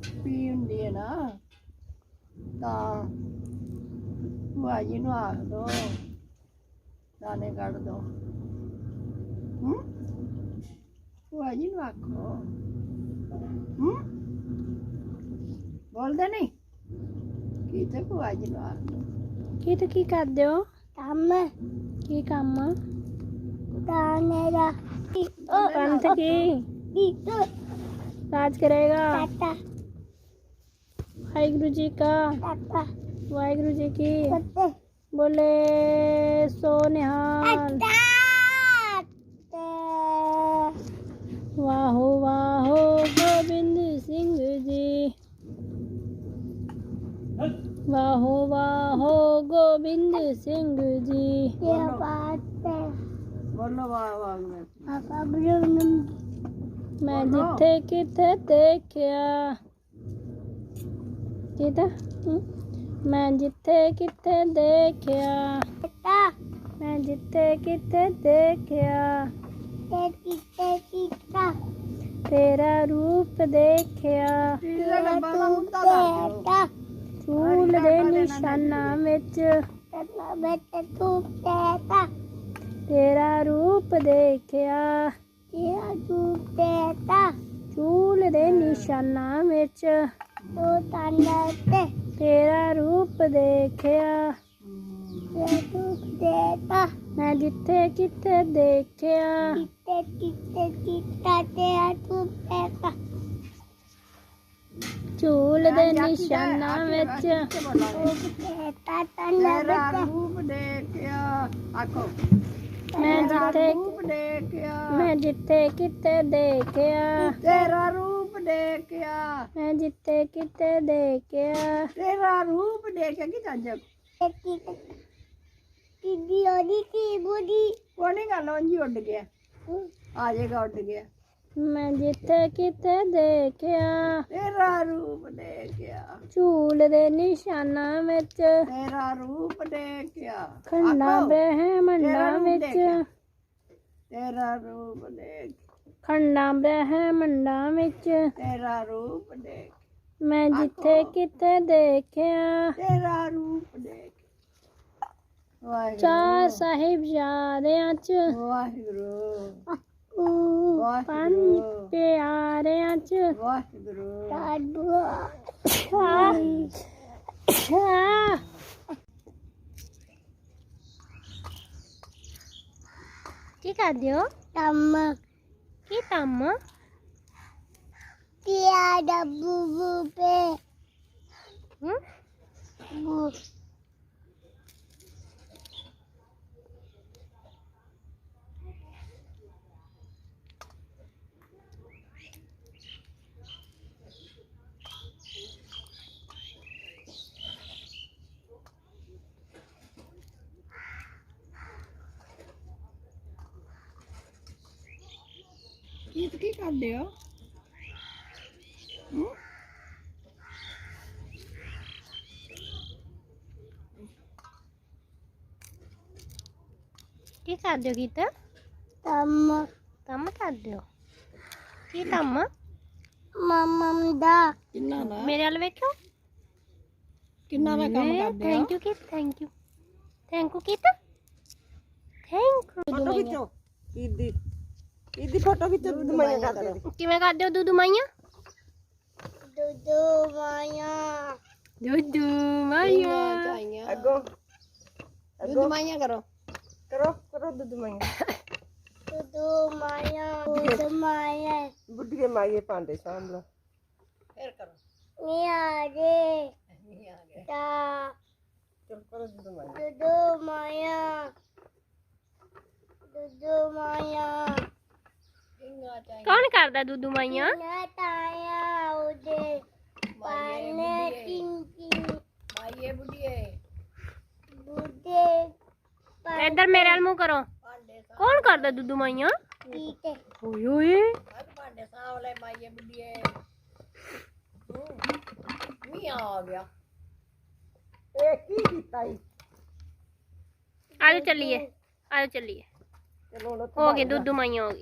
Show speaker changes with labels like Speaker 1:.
Speaker 1: P हुंदी है ना ता भूआ जी नूं आख दो दाने कढ़ दो। भूआ जी नूं आखो बोलदे नहीं की ते भूआ जी नूं आख दो।
Speaker 2: की करदे हो?
Speaker 3: काम
Speaker 2: की काम?
Speaker 3: दाने दा
Speaker 2: पंथ की
Speaker 3: टीटू
Speaker 2: राज करेगा।
Speaker 3: टाटा
Speaker 2: वाहिगुरु जी का
Speaker 3: टाटा
Speaker 2: वाहिगुरु जी की
Speaker 3: कते
Speaker 2: बोले सो निहाल। वाहो वाहो गोविंद सिंह जी वाहो वाहो गोविंद सिंह जी।
Speaker 3: ये बात है
Speaker 1: बोलो वाह वाह में
Speaker 3: पापा बोलो
Speaker 2: मैं जिथे किथे देखिया किता मैं जिथे किथे देखिया
Speaker 3: बेटा
Speaker 2: मैं जिथे किथे देखिया
Speaker 3: टीटा
Speaker 2: तेरा रूप देखिया
Speaker 1: पीला डब्बा दा मुद्दा कर दो।
Speaker 2: फूल दे निशाना विच
Speaker 3: टाटा बेटा तू टाटा
Speaker 2: तेरा रूप देखिया
Speaker 3: तेरा तू टाटा
Speaker 2: फूल दे निशाना विच
Speaker 3: तू टाटा
Speaker 2: तेरा रूप देखिया
Speaker 3: तेरा तू टाटा
Speaker 2: मैं जिथे किथे देखिया
Speaker 3: टीटा तेरा तू टाटा
Speaker 2: झूल दे निशाना विच
Speaker 3: टाटा
Speaker 1: तेरा रूप देखिया आखो
Speaker 2: मैं जिथे
Speaker 1: रूप देखिया
Speaker 2: मैं जिथे किथे देखिया
Speaker 1: तेरा रूप देखिया
Speaker 2: मैं जिथे किथे देखिया
Speaker 1: तेरा रूप देखिया कि जब
Speaker 3: दीदी ओदी की बुदी
Speaker 1: कोनी गल जी उड़ गया आ जाएगा उड़ गया।
Speaker 2: मैं जिथे किथे देखिया
Speaker 1: तेरा रूप देखिया
Speaker 2: झूल दे निशाना विच
Speaker 1: तेरा रूप देखिया
Speaker 2: खंडा
Speaker 1: आखो,
Speaker 2: ब्रह्मंडा विच
Speaker 1: तेरा रूप देख
Speaker 2: खंडा ब्रह्मंडा विच
Speaker 1: तेरा रूप देख
Speaker 2: मैं जिथे किथे देखिया
Speaker 1: तेरा रूप देख वाहिगुरु
Speaker 2: चार साहिबजादियां च
Speaker 1: वाहिगुरु
Speaker 2: पंज
Speaker 1: वाहिगुरु
Speaker 2: प्यारियां च
Speaker 1: वाहिगुरु
Speaker 2: की करदे हो?
Speaker 3: तम
Speaker 2: की कम्म?
Speaker 3: तियाड़ा बुबू पे
Speaker 2: हम्म?
Speaker 3: बू
Speaker 1: की करदे हो?
Speaker 2: की करदे हो गीत?
Speaker 3: तम
Speaker 2: कम्म करदे हो? की कम्म?
Speaker 3: मम्मम दा
Speaker 1: किन्ना दा
Speaker 2: मेरे वाल वेखो
Speaker 1: किन्ना दा काम करदे हो?
Speaker 2: Thank you Geet thank you Geet thank you.
Speaker 1: Photo खिच्चो ईदी फोटो खिच्चो दूध माइया करदे हो।
Speaker 2: किवें करदे हो दूधू माइया?
Speaker 3: दुदू माया
Speaker 2: दूधू माइया
Speaker 1: अगो दूध माइया करो करो दूध माइया
Speaker 3: दुदू माया दुदू माया
Speaker 1: बुढ़िए माइये पांडे सांभला फिर करो
Speaker 3: निया रे ता
Speaker 1: चल करो दूध माइया
Speaker 3: दुदू माया
Speaker 2: कौन करदा दूधू माइया?
Speaker 3: ताया उदे पाने टिंकी
Speaker 1: माइये बुढ़िए
Speaker 3: बुदे
Speaker 2: इधर मेरे वाल मुंह करो। कौन करदा दूधू माइया?
Speaker 3: पीते
Speaker 2: ओए ओए
Speaker 1: पांडे सांभले माइये बुढ़िए मियां आ गया ए की कीता ई
Speaker 2: आजो चलिए
Speaker 1: चलो
Speaker 2: हो गए दूधू माइया हो गई।